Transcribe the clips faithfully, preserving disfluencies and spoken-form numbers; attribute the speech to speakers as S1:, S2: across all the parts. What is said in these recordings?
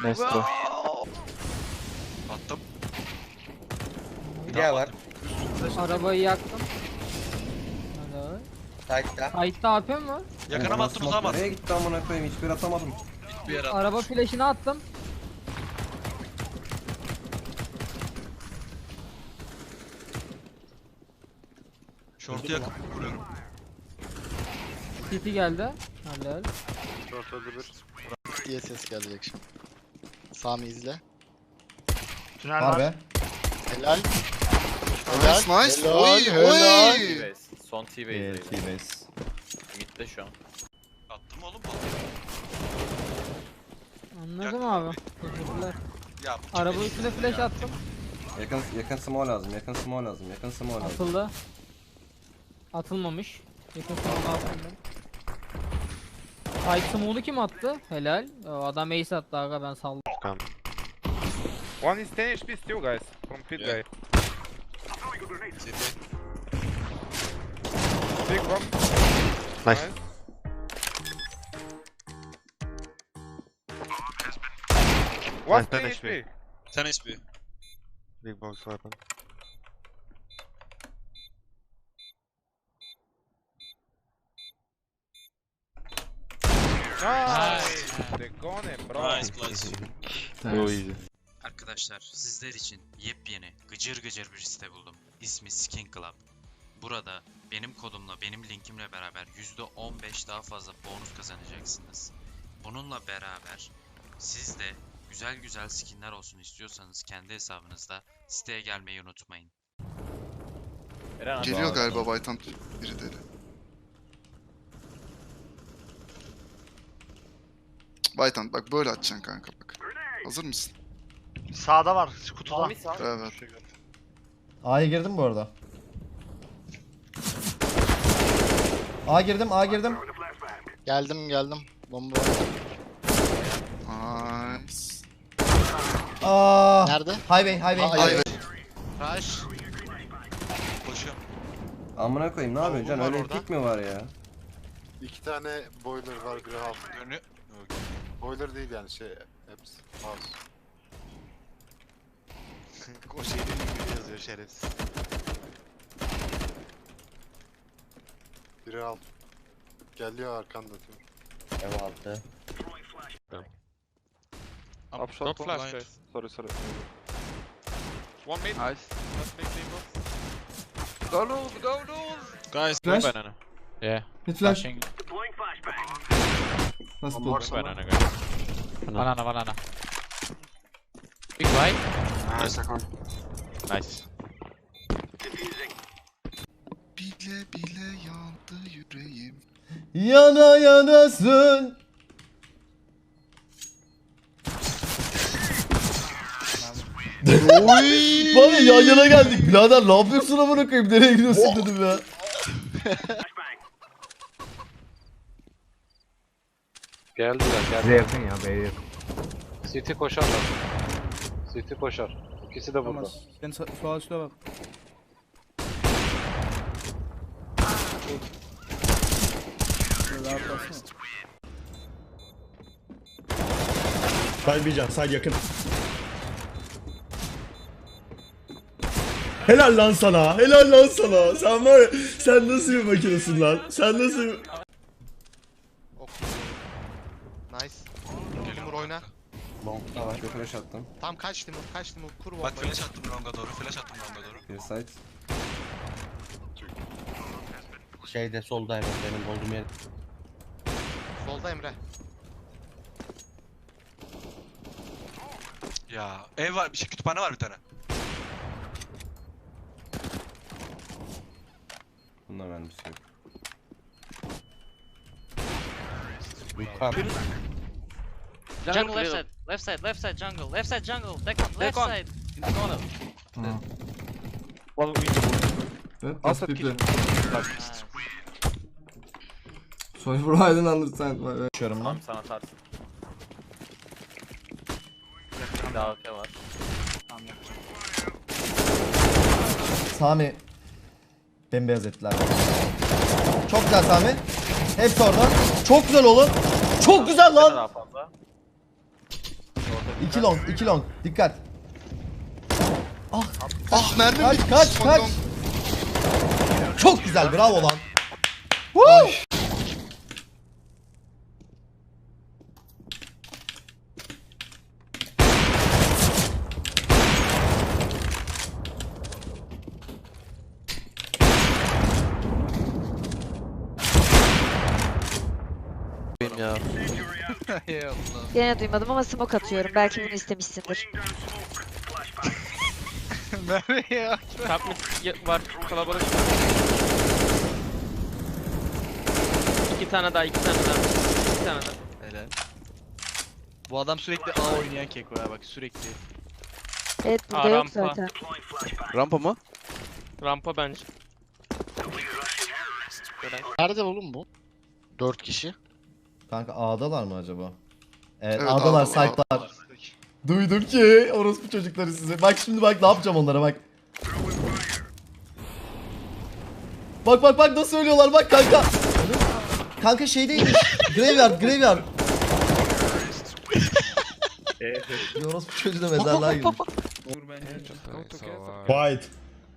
S1: Maestro.
S2: Attım.
S3: Hülya var.
S4: Arabayı yaktım. Hadi.
S3: Sight'ta.
S4: Kayıtta A P mi var?
S2: Yakına attım uzağa
S5: Nereye gitti amına koyayım? Hiçbir atamadım.
S2: Bir yere
S4: Araba flash'ını attım.
S2: Şortu yakıp vuruyorum.
S4: City geldi. Helal.
S1: Short öldü bir.
S6: diye ses gelecek şimdi. Sami izle.
S1: Tünel
S7: Var
S1: var.
S7: be.
S6: Helal.
S8: Nice nice.
S6: Helal,
S8: Oy
S6: helal.
S8: oy.
S9: T-Base. Son
S7: Ee,
S9: T-Base'deydi.
S7: T-base.
S9: Mid'de şu an.
S2: Attım oğlum bu.
S4: Anladım
S2: Yaktım
S4: abi. Teşekkürler.
S2: Ya bu
S4: Araba
S2: kim
S4: üstüne
S2: eşittir
S4: flash
S2: ya?
S4: attım.
S5: Yakın yakın small lazım. Yakın small lazım. Yakın small lazım.
S4: Atıldı. Atılmamış. Yakın sonunda attım ben. Fight smoke'unu kim attı? Helal. O adam ace attı aga, ben saldım.
S10: One is ten H P still, guys. From pit
S2: Yeah.
S10: guy.
S2: City.
S10: Big bomb.
S1: Nice.
S10: One
S1: Nice, ten
S10: ten
S1: H
S10: H
S1: P.
S10: P.
S2: Sen H P.
S1: Big box weapon.
S10: Nice. The gone, bro.
S2: Nice place.
S1: So easy.
S11: Arkadaşlar, sizler için yepyeni gıcır gıcır bir site buldum. İsmi Skin Club. Burada benim kodumla, benim linkimle beraber yüzde on beş daha fazla bonus kazanacaksınız. Bununla beraber siz de güzel güzel skinler olsun istiyorsanız kendi hesabınızda siteye gelmeyi unutmayın.
S9: Eren abi.
S8: Geliyor galiba Baytan biri deli. Baytan bak böyle atacaksın kanka bak. Hazır mısın?
S1: Sağda var. Kutuda.
S9: Sami sağ.
S8: Evet.
S7: A'ya girdim bu arada. A girdim, A girdim.
S6: Geldim geldim. Bomba.
S8: Nice.
S7: Aa.
S6: Nerede?
S7: Highway, highway.
S6: Aa,
S7: highway.
S6: Rush.
S2: Koşuyorum.
S5: Amına koyayım ne yapıyorsun Can?
S1: var
S5: Öyle bir
S1: orada.
S5: pik mi var ya?
S1: İki tane boiler var, biri half.
S2: Dönüyor.
S1: Boiler değil yani şey, hepsi mouse. O şeyin gibi yazıyor şerefsiz. Biri half. Geliyor arkanda diyor.
S3: Ev altı.
S10: Up shot, one flash, guys. Sorry, sorry. One mid.
S1: Nice.
S10: Go loose, go loose.
S2: Guys.
S7: Flash.
S9: Banana. Yeah.
S7: Mid flash.
S9: Flashing.
S7: Nasıl
S1: One
S7: bu?
S1: more sana.
S9: Banana guys. Banana banana. Big white.
S1: Nice.
S9: Nice.
S8: Bile bile yandı yüreğim.
S7: Yana yanasın. Var ya, yan yana geldik. Birader ne yapıyorsun amına koyayım? Nereye gidiyorsun dedim ya.
S10: Geldiler, geldiler.
S5: Bize yakın ya B'ye yakın.
S10: City koşarlar. City koşar. İkisi de burada.
S5: Sen sola üstüne bak.
S7: Side bir can, side yakın. Helal lan sana, helal lan sana. Sen var ya, sen nasıl bir makinesin lan? Sen nasıl bir...
S6: Nice. Timur oyna.
S5: Long'da var. Bir flash attım.
S6: Tam kaç Timur, kaç Timur, kur bombayı.
S2: Bak flash attım longa doğru. Flash attım longa doğru.
S5: Bir side.
S3: Şeyde solda hemen benim olduğum yer.
S6: Solda Emre.
S2: Ya ev var. Bir şey kütüphane var bir tane.
S5: Bunda mermisi yok.
S3: Yukarı.
S9: Jungle left side.
S11: Left side, left side jungle, left side jungle, back on,
S9: left
S11: side.
S10: One window.
S7: Evet,
S10: Also kitchen.
S7: Sorry for I didn't understand. Açıyorum
S9: Tamam
S7: lan.
S9: sana atarsın. Bir daha A K var.
S7: Sami. Bembeyaz ettiler. Çok güzel Sami. Hepsi orada. Çok güzel oğlum. Çok güzel
S9: Ne
S7: lan.
S9: daha fazla? Orta
S7: iki long, iki long. Dikkat.
S8: Ah mermi
S7: Kaç,
S8: bitti.
S7: kaç,
S8: Son
S7: kaç.
S8: long.
S7: Çok güzel, bravo lan. Woo!
S12: Yine duymadım ama smoke atıyorum. Belki bunu istemişsindir.
S10: Nereye?
S9: Top mid var kalabalık. İki tane daha, iki tane daha. İki tane daha.
S10: Helal. Bu adam sürekli A oynayan keko ya bak sürekli.
S12: Evet burada
S9: Aa,
S12: yok
S9: rampa.
S12: zaten.
S10: Rampa mı?
S9: Rampa bence.
S6: Nerede oğlum bu? Dört kişi.
S7: Kanka A'dalar mı acaba? Evet,
S8: Evet,
S7: A'dalar,
S8: A'dalar.
S7: site'lar. Duydum ki orospu çocukları size. Bak şimdi bak ne yapacağım onlara bak. Bak bak bak nasıl ölüyorlar bak kanka. Kanka şeydeymiş. Graveyard, graveyard. Bir orospu çocuğu da mezarlığa girmiş. Quiet.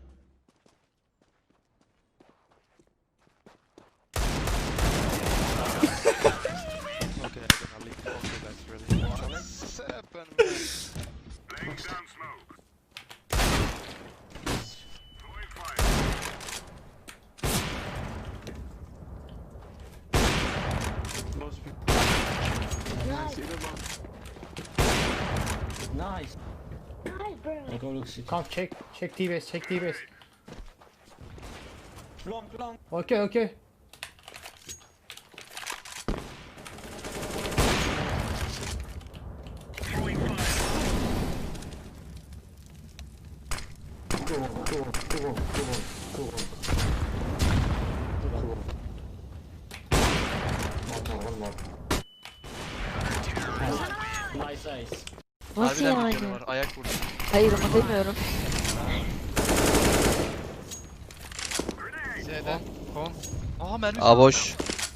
S3: Nice.
S4: Kanka check, check T-base, check T-base. Okay, okay.
S12: Nasıl
S10: Harbiden
S12: yani?
S10: bir canı var. Ayak vurdu.
S12: Hayır ama demiyorum.
S10: Z'den. Kon. Aa mermi.
S9: A boş.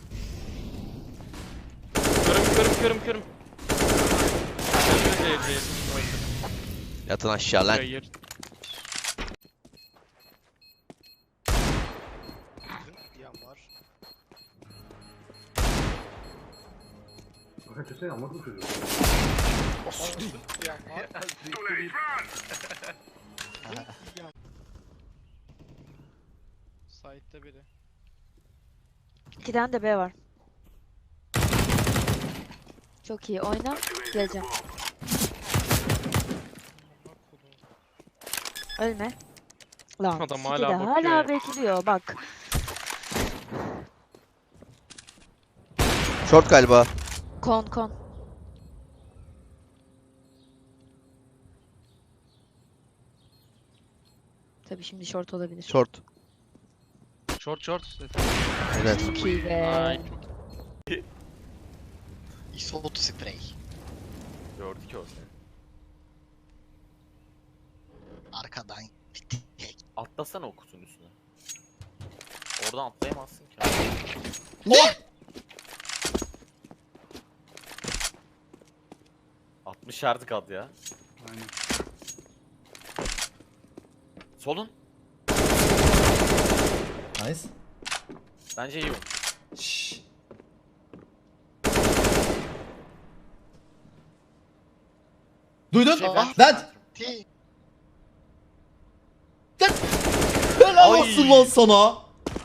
S9: Körüm körüm körüm körüm.
S10: Yatın aşağı lan.
S9: Hayır.
S10: Side'de biri.
S12: İki tane de B var. Çok iyi oyna. Geleceğim. Ölme. Lan
S9: Adam
S12: City
S9: hala
S12: de
S9: bakıyor
S12: hala
S9: ya.
S12: bekliyor bak.
S10: Short galiba.
S12: Kon kon. Tabii şimdi short olabilir.
S10: Short. Short short.
S12: Çok iyi be.
S9: Ay.
S6: Isot sprey.
S9: Gördük ki o seni.
S6: Arkadan.
S9: Atlasana o kutunun üstüne. Oradan atlayamazsın ki.
S7: Ne?
S9: altmış artık at ya.
S1: Aynen.
S9: Solun.
S7: Nice.
S9: Bence iyi oyun.
S7: Şşş. Duydun?
S9: Şey,
S6: Aa.
S7: Vent.
S6: T.
S7: Helal
S10: Ay.
S7: olsun lan sana.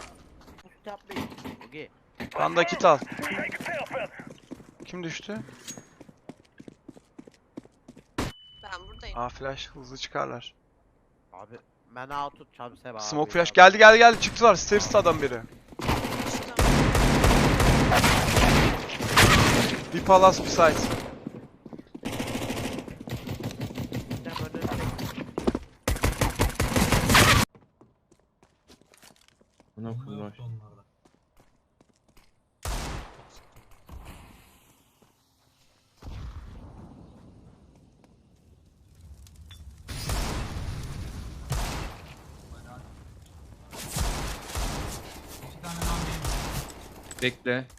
S10: Randa kit al. Kim düştü?
S12: Ben buradayım.
S10: Aa flash hızlı çıkarlar.
S9: Abi ben out'u çabse abi.
S10: Smoke flash geldi geldi geldi çıktılar. Stairs'ta adam biri. Bir palas bir site.
S3: Buna kurmuş.
S9: Bekle.